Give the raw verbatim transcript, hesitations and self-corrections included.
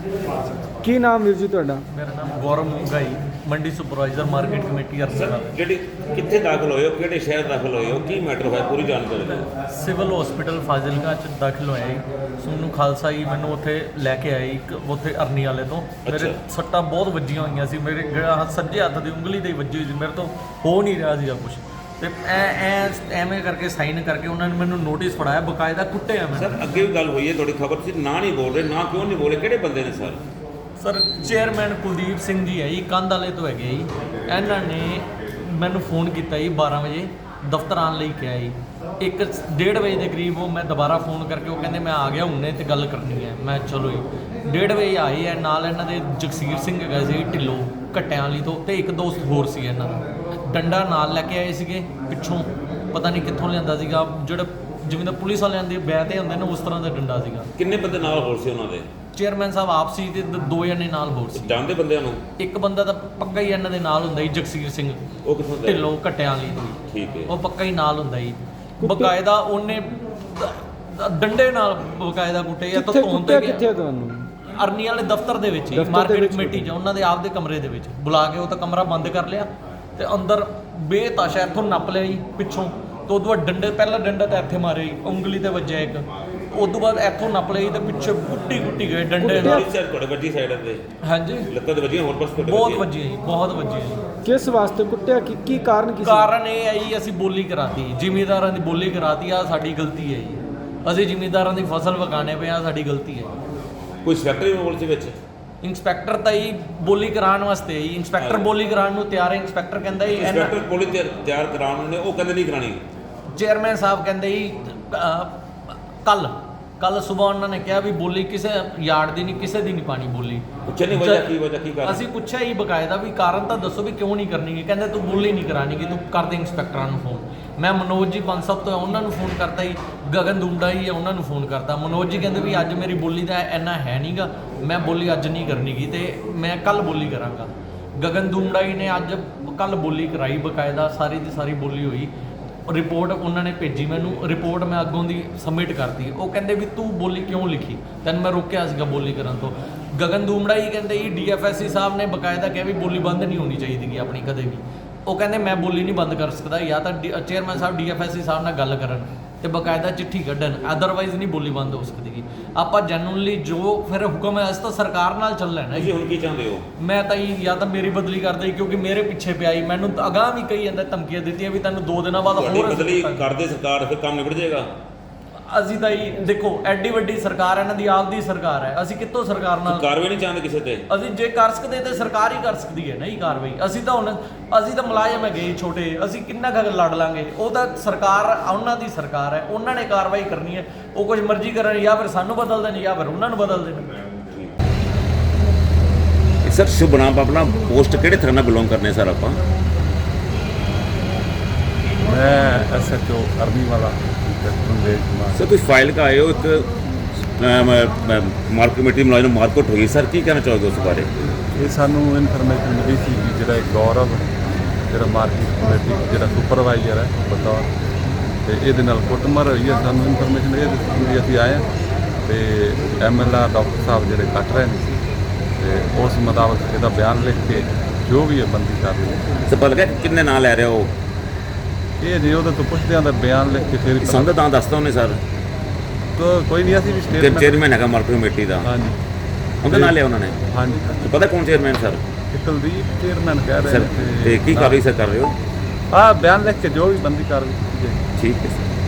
ਕੀ ਨਾਮ ਵੀਰ ਜੀ ਤੁਹਾਡਾ? मेरा नाम गौरव मुंगाई, मंडी सुपरवाइजर मार्केट कमेटी ਸਰ अरसला। ਜਿਹੜੀ ਕਿੱਥੇ ਦਾਖਲ ਹੋਏ ਹੋ, ਕਿਹੜੇ ਸ਼ਹਿਰ ਦਾਖਲ ਹੋਏ ਹੋ, ਕੀ ਮੈਟਰ ਹੋਇਆ, ਪੂਰੀ ਜਾਣਕਾਰੀ ਦਿਓ। ਸਿਵਲ ਹਸਪੀਟਲ ਫਾਜ਼ਿਲਕਾ ਚ ਦਾਖਲ ਹੋਇਆ ਜੀ। ਸੋਨੂੰ ਖਾਲਸਾ ਜੀ ਮੈਨੂੰ ਉੱਥੇ ਲੈ ਕੇ ਆਏ ਇੱਕ ਉੱਥੇ ਅਰਨੀ ਵਾਲੇ ਤੋਂ। ਮੇਰੇ ਅੱਛਾ। ਸੱਟਾਂ ਬਹੁਤ ਵੱਜੀਆਂ ਹੋਈਆਂ ਸੀ, ਮੇਰੇ ਜਿਹੜਾ ਹੱਥ ਸੱਜੇ ਹੱਥ ਦੀ ਉਂਗਲੀ ਤੇ ਹੀ ਵੱਜੀ ਹੋਈ ਸੀ, ਮੇਰੇ ਤੋਂ ਹੋ ਨਹੀਂ ਰਿਹਾ ਸੀਗਾ ਕੁਝ। ਤੇ ਐ ਐ ਐਵੇਂ ਕਰਕੇ ਸਾਈਨ ਕਰਕੇ ਉਹਨਾਂ ਨੇ ਮੈਨੂੰ ਨੋਟਿਸ ਫੜਾਇਆ, ਬਕਾਇਦਾ ਕੁੱਟਿਆ ਮੈਂ। ਸਰ ਅੱਗੇ ਵੀ ਗੱਲ ਹੋਈ ਹੈ, ਤੁਹਾਡੀ ਖਬਰ ਸੀ ਨਾ ਨਹੀਂ ਬੋਲ ਰਹੇ, ਨਾ ਕਿਉਂ ਨਹੀਂ ਬੋਲੇ, ਕਿਹੜੇ ਬੰਦੇ ਨੇ sir? Sir chairman Kuldeep Singh ji ਹੈ ਜੀ, ਕੰਧ ਵਾਲੇ ਤੋਂ ਹੈਗੇ ਜੀ। ਇਹਨਾਂ ਨੇ ਮੈਨੂੰ ਫੋਨ ਕੀਤਾ ਜੀ ਬਾਰਾਂ ਵਜੇ ਦਫ਼ਤਰ ਆਉਣ ਲਈ ਕਿਹਾ ਜੀ। ਇੱਕ ਡੇਢ ਵਜੇ ਦੇ ਕਰੀਬ ਉਹ ਮੈਂ ਦੁਬਾਰਾ ਫੋਨ ਕਰਕੇ ਉਹ ਕਹਿੰਦੇ ਮੈਂ ਆ ਗਿਆ ਹੁਣੇ ਤੇ ਗੱਲ ਕਰਨੀ ਹੈ। ਮੈਂ ਚਲੋ ਜੀ ਡੇਢ ਵਜੇ ਆਏ ਹੈ। ਨਾਲ ਇਹਨਾਂ ਦੇ ਜਗਸੀਰ ਸਿੰਘ ਹੈਗਾ ਸੀ ਢਿੱਲੋਂ ਘੱਟਿਆਂ ਵਾਲੀ ਤੋਂ, ਤੇ ਇੱਕ ਦੋਸਤ ਹੋਰ ਸੀ ਇਹਨਾਂ ਦਾ। ਡੰਡਾ ਨਾਲ ਲੈ ਕੇ ਆਏ ਸੀਗੇ ਪਿੱਛੋਂ, ਪਤਾ ਨਹੀਂ ਕਿੱਥੋਂ ਲਿਆਂਦਾ ਸੀਗਾ, ਜਿਹੜਾ ਜਿਵੇਂ ਦਾ ਪੁਲਿਸ ਵਾਲਿਆਂ ਦੇ ਬੈ ਤੇ ਹੁੰਦੇ ਨੇ ਉਸ ਤਰ੍ਹਾਂ ਦਾ ਡੰਡਾ ਸੀਗਾ। ਕਿੰਨੇ ਬੰਦੇ ਨਾਲ ਹੋਰ ਸੀ ਉਹਨਾਂ ਦੇ? ਚੇਅਰਮੈਨ ਸਾਹਿਬ ਆਪ ਸੀ ਤੇ ਦ- ਦੋ ਜਣੇ ਨਾਲ ਹੋਰ ਸੀ। ਜਾਣਦੇ ਬੰਦਿਆਂ ਨੂੰ? ਇੱਕ ਬੰਦਾ ਤਾਂ ਪੱਕਾ ਹੀ ਇਹਨਾਂ ਦੇ ਨਾਲ ਹੁੰਦਾ ਜੀ, ਜਗਸੀਰ ਸਿੰਘ ਉਹ ਕਿੱਥੋਂ ਦਾ? ਢਿੱਲੋਂ ਘੱਟਿਆਂ ਵਾਲੀ ਤੋਂ। ਠੀਕ ਹੈ। ਉਹ ਪੱਕਾ ਹੀ ਨਾਲ ਹੁੰਦਾ ਜੀ। ਬਕਾਇਦਾ ਉਹਨੇ ਦ- ਦ- ਡੰਡੇ ਨਾਲ ਬਕਾਇਦਾ ਕੁੱਟੇ ਜਾਂ ਤਾਂ ਕਿੱਥੇ ਧੋਣ ਕੁੱਟਿਆ ਤੇ ਕਿੱਥੇ ਆ ਤੁਹਾਨੂੰ? ਅਰਨੀ ਵਾਲੇ ਦਫ਼ਤਰ ਦੇ ਵਿੱਚ ਹੀ, ਦਫ਼ਤਰ ਦੇ ਮਾਰਕੀਟ ਵਿੱਚ ਕਮੇਟੀ 'ਚ ਉਹਨਾਂ ਦੇ ਆਪ ਦੇ ਕਮਰੇ ਦੇ ਵਿੱਚ ਬੁਲਾ ਕੇ ਉਹ ਤਾਂ ਕਮਰਾ ਬੰਦ ਕਰ ਲਿਆ ਤੇ ਅੰਦਰ ਬੇਤਾਸ਼ਾ ਇੱਥੋਂ ਨੱਪ ਲਿਆ ਜੀ ਪਿੱਛੋਂ। ਤੇ ਉਦੋਂ ਬਾਅਦ ਡੰਡੇ, ਪਹਿਲਾ ਡੰਡਾ ਤਾਂ ਇੱਥੇ ਮਾਰਿਆ ਜੀ, ਉਂਗਲੀ ਤੇ ਵੱਜਿਆ ਇੱਕ। ਉਦੋਂ ਬਾਅਦ ਇੱਥੋਂ ਨੱਪ ਲਿਆ ਜੀ ਤੇ ਪਿੱਛੇ ਕੁੱਟੀ ਕੁੱਟੀ ਗਏ ਡੰਡੇ ਨਾਲ। ਤੁਹਾਡੀ ਸਾਈਡ ਤੁਹਾਡੇ ਵੱਜੀ ਸਾਈਡ ਤੇ ਹਾਂਜੀ ਲੱਤਾਂ ਤੇ ਵੱਜੀਆਂ, ਹੋਰ ਪਾਸੇ ਤੁਹਾਡੇ ਬਹੁਤ ਵੱਜੀਆਂ? ਵੱਜੀਆਂ ਜੀ, ਬਹੁਤ ਵੱਜੀਆਂ ਜੀ। ਕਿਸ ਵਾਸਤੇ ਕੁੱਟਿਆ? ਕੀ ਕੀ ਕਾਰਨ ਕੀ ਸੀ? ਕਾਰਨ ਇਹ ਹੈ ਜੀ ਅਸੀਂ ਬੋਲੀ ਕਰਾਤੀ, ਜ਼ਿਮੀਂਦਾਰਾਂ ਦੀ ਬੋਲੀ ਕਰਾਤੀ ਆ, ਸਾਡੀ ਗਲਤੀ ਹੈ ਜੀ। ਅਸੀਂ ਜ਼ਿਮੀਂਦਾਰਾਂ ਦੀ ਫਸਲ ਵਗਾਣੇ ਪਏ ਆ, ਸਾਡੀ ਗਲਤੀ ਹੈ। ਕੋਈ ਸੈਕਟਰੀ ਰੋਲ ਸੀ ਵਿੱਚ? ਇੰਸਪੈਕਟਰ ਤਾਂ ਹੀ ਬੋਲੀ ਕਰਾਉਣ ਵਾਸਤੇ ਹੀ, ਇੰਸਪੈਕਟਰ ਬੋਲੀ ਕਰਾਉਣ ਨੂੰ ਤਿਆਰ ਹੈ। ਇੰਸਪੈਕਟਰ ਕਹਿੰਦਾ ਜੀ ਇੰਸਪੈਕਟਰ ਕੋਲ ਤਿਆਰ ਕਰਾਉਣ ਨੇ, ਉਹ ਕਹਿੰਦੇ ਨਹੀਂ ਕਰਾਣੀ। ਚੇਅਰਮੈਨ ਸਾਹਿਬ ਕਹਿੰਦੇ ਜੀ ਕੱਲ ਕੱਲ ਸਵੇਰ ਉਹਨਾਂ ਨੇ ਕਿਹਾ ਵੀ ਬੋਲੀ ਕਿਸੇ ਯਾਰਡ ਦੀ ਨਹੀਂ, ਕਿਸੇ ਦੀ ਨਹੀਂ ਪਾਣੀ ਬੋਲੀ। ਪੁੱਛਿਆ ਨਹੀਂ ਵਜ੍ਹਾ ਕੀ, ਵਜ੍ਹਾ ਕੀ ਕਾਰਨ? ਅਸੀਂ ਪੁੱਛਿਆ ਹੀ ਬਕਾਇਦਾ ਵੀ ਕਾਰਨ ਤਾਂ ਦੱਸੋ ਵੀ ਕਿਉਂ ਨਹੀਂ ਕਰਨੀ। ਕਹਿੰਦੇ ਤੂੰ ਬੋਲੀ ਨਹੀਂ ਕਰਾਣੀ ਕਿ ਤੂੰ ਕਰਦੇ ਇੰਸਪੈਕਟਰਾਂ ਨੂੰ ਫੋਨ। ਮੈਂ ਮਨੋਜ ਜੀ ਪੰਜ ਸਭ ਤੋਂ ਉਹਨਾਂ ਨੂੰ ਫੋਨ ਕਰਤਾ ਜੀ, ਗਗਨ ਦੁੰਡਾ ਹੀ ਹੈ ਉਹਨਾਂ ਨੂੰ ਫੋਨ ਕਰਤਾ। ਮਨੋਜ ਜੀ ਕਹਿੰਦੇ ਵੀ ਅੱਜ ਮੇਰੀ ਬੋਲੀ ਦਾ ਇੰਨਾ ਹੈ ਨਹੀਂਗਾ, ਮੈਂ ਬੋਲੀ ਅੱਜ ਨਹੀਂ ਕਰਨੀ ਗੀ ਤੇ ਮੈਂ ਕੱਲ ਬੋਲੀ ਕਰਾਂਗਾ। ਗਗਨ ਦੁੰਡਾ ਹੀ ਨੇ ਅੱਜ ਕੱਲ ਬੋਲੀ ਕਰਾਈ, ਬਕਾਇਦਾ ਸਾਰੀ ਦੀ ਸਾਰੀ ਬੋਲੀ ਹੋਈ। ਰਿਪੋਰਟ ਉਹਨਾਂ ਨੇ ਭੇਜੀ ਮੈਨੂੰ, ਰਿਪੋਰਟ ਮੈਂ ਅੱਗੋਂ ਦੀ ਸਬਮਿਟ ਕਰਤੀ। ਉਹ ਕਹਿੰਦੇ ਵੀ ਤੂੰ ਬੋਲੀ ਕਿਉਂ ਲਿਖੀ, ਤੈਨੂੰ ਮੈਂ ਰੋਕਿਆ ਸੀਗਾ ਬੋਲੀ ਕਰਨ ਤੋਂ। ਗਗਨ ਦੂਮੜਾ ਹੀ ਕਹਿੰਦੇ ਜੀ ਡੀਐਫਐਸਸੀ ਸਾਹਿਬ ਨੇ ਬਕਾਇਦਾ ਕਿਹਾ ਵੀ ਬੋਲੀ ਬੰਦ ਨਹੀਂ ਹੋਣੀ ਚਾਹੀਦੀ ਗੀ ਆਪਣੀ ਕਦੇ ਵੀ। ਉਹ ਕਹਿੰਦੇ ਮੈਂ ਬੋਲੀ ਨਹੀਂ ਬੰਦ ਕਰ ਸਕਦਾ, ਜਾਂ ਤਾਂ ਚੇਅਰਮੈਨ ਸਾਹਿਬ ਡੀਐਫਐਸਸੀ ਸਾਹਿਬ ਨਾਲ ਗੱਲ ਕਰਨ ਤੇ ਬਕਾਇਦਾ ਚਿੱਠੀ ਕੱਢਣ, ਅਦਰਵਾਈਜ਼ ਨਹੀਂ ਬੋਲੀ ਬੰਦ ਹੋ ਸਕਦੀ ਗੀ। ਆਪਾਂ ਜੈਨੂਅਲੀ ਜੋ ਫਿਰ ਹੁਕਮ ਹੈ ਅਸੀਂ ਤਾਂ ਸਰਕਾਰ ਨਾਲ ਚੱਲਣਾ ਨਾ ਤੁਸੀਂ ਜੀ। ਹੁਣ ਕੀ ਚਾਹੁੰਦੇ ਹੋ? ਮੈਂ ਤਾਂ ਜੀ ਜਾਂ ਤਾਂ ਮੇਰੀ ਬਦਲੀ ਕਰ ਦੇ, ਕਿਉਂਕਿ ਮੇਰੇ ਪਿੱਛੇ ਪਿਆ ਜੀ। ਮੈਨੂੰ ਤਾਂ ਅਗਾਂਹ ਵੀ ਕਈ ਜਾਂਦਾ ਧਮਕੀਆਂ ਦਿੱਤੀਆਂ ਵੀ ਤੈਨੂੰ ਦੋ ਦਿਨਾਂ ਬਾਅਦ ਤੁਹਾਡੀ ਹੋਰ ਬਦਲੀ ਅਸੀਂ ਕਰਦੇ ਸਰਕਾਰ, ਫਿਰ ਕੰਮ ਨਿਬੜ ਜਾਏਗਾ। ਅਸੀਂ ਤਾਂ ਜੀ ਦੇਖੋ ਐਡੀ ਵੱਡੀ ਸਰਕਾਰ ਹੈ, ਇਹਨਾਂ ਦੀ ਆਪ ਦੀ ਸਰਕਾਰ ਹੈ, ਅਸੀਂ ਕਿੱਥੋਂ ਸਰਕਾਰ ਨਾਲ ਕਾਰਵਾਈ ਨਹੀਂ ਚਾਹੁੰਦੇ ਕਿਸੇ ਤੇ? ਅਸੀਂ ਜੇ ਕਰ ਸਕਦੇ ਤੇ ਸਰਕਾਰ ਹੀ ਕਰ ਸਕਦੀ ਹੈ ਨਹੀਂ ਕਾਰਵਾਈ। ਅਸੀਂ ਤਾਂ ਹੁਣ ਅਸੀਂ ਤਾਂ ਮੁਲਾਜ਼ਮ ਹੈਗੇ ਛੋਟੇ, ਅਸੀਂ ਕਿੰਨਾ ਕੁ ਲੜ ਲਾਂਗੇ। ਉਹ ਤਾਂ ਸਰਕਾਰ ਉਹਨਾਂ ਦੀ ਸਰਕਾਰ ਹੈ, ਉਹਨਾਂ ਨੇ ਕਾਰਵਾਈ ਕਰਨੀ ਹੈ। ਉਹ ਕੁਝ ਮਰਜ਼ੀ ਕਰਨ, ਜਾਂ ਫਿਰ ਸਾਨੂੰ ਬਦਲ ਦੇਣ ਜਾਂ ਫਿਰ ਉਹਨਾਂ ਨੂੰ ਬਦਲ ਦੇਣ। ਸਰ ਸ਼ੁਭ ਨਾਮ ਆਪਣਾ, ਪੋਸਟ ਕਿਹੜੇ ਥਾਣੇ ਨਾਲ ਬਿਲੋਂਗ ਕਰਨੇ ਸਰ ਆਪਾਂ? मैं एस एच ओ अरनी वाला इंस्पेक्टर कुमार। सर कुछ फाइल का आए हो, एक मार्केट कमेटी मुलाजिम मारकुट हुई सर, की कहना चाहोगे उस बारे? ये सानू इनफॉर्मेशन मिली थी कि ਜਿਹੜਾ ਗੌਰਵ ਜਿਹੜਾ ਮਾਰਕੀਟ ਕਮੇਟੀ ਜਿਹੜਾ ਸੁਪਰਵਾਈਜ਼ਰ ਹੈ ਬਤੌਰ, ਤੇ ਇਹਦੇ ਨਾਲ ਕੁੱਟਮਾਰ ਹੋਈ ਹੈ। ਸਾਨੂੰ ਇਨਫੋਰਮੇਸ਼ਨ ਇਹ ਦਿੱਤੀ ਵੀ ਅਸੀਂ ਆਏ ਹਾਂ ਤੇ ਐਮ ਐਲ ਆ ਡਾਕਟਰ ਸਾਹਿਬ ਜਿਹੜੇ ਕੱਟ ਰਹੇ ਨੇ ਤੇ ਉਸ ਮੁਤਾਬਕ ਇਹਦਾ ਬਿਆਨ ਲਿਖ ਕੇ ਜੋ ਵੀ ਹੈ ਬੰਦੀ ਕਰ ਰਹੀ। ਸਰ ਪਤਾ ਲੱਗਾ ਕਿੰਨੇ ਨਾਂ ਲੈ ਰਹੇ ਹੋ? ਇਹ ਜੇ ਉਹਦੇ ਤੋਂ ਪੁੱਛਦੇ ਹਾਂ ਤਾਂ ਬਿਆਨ ਲਿਖ ਕੇ ਫਿਰ ਪਤਾ- ਸੰਦ ਤਾਂ ਦੱਸਦਾ ਉਹਨੇ ਸਰ, ਤਾਂ ਕੋਈ ਨਹੀਂ, ਅਸੀਂ ਵੀ ਕਿ ਸਟੇਟਮੈਂਟ। ਚੇਅਰਮੈਨ ਹੈਗਾ ਮਾਰਕੀਟ ਕਮੇਟੀ ਦਾ, ਹਾਂਜੀ ਉਹਦਾ ਨਾਂ ਲਿਆ ਉਹਨਾਂ ਨੇ। ਹਾਂਜੀ ਤੇ ਪਤਾ ਕੌਣ ਚੇਅਰਮੈਨ ਸਰ? ਇਹ ਕੁਲਦੀਪ ਚੇਅਰਮੈਨ ਕਹਿ ਰਹੇ ਸਰ ਨੇ ਤੇ ਕੀ ਕਾਰਵਾਈ ਸਰ ਕਰ ਰਹੇ ਹੋ? ਹਾਂ ਬਿਆਨ ਲਿਖ ਕੇ ਜੋ ਵੀ ਬੰਦੀ ਕਾਰਵਾਈ ਕੀਤੀ ਜਾਏਗੀ। ਠੀਕ ਹੈ ਸਰ।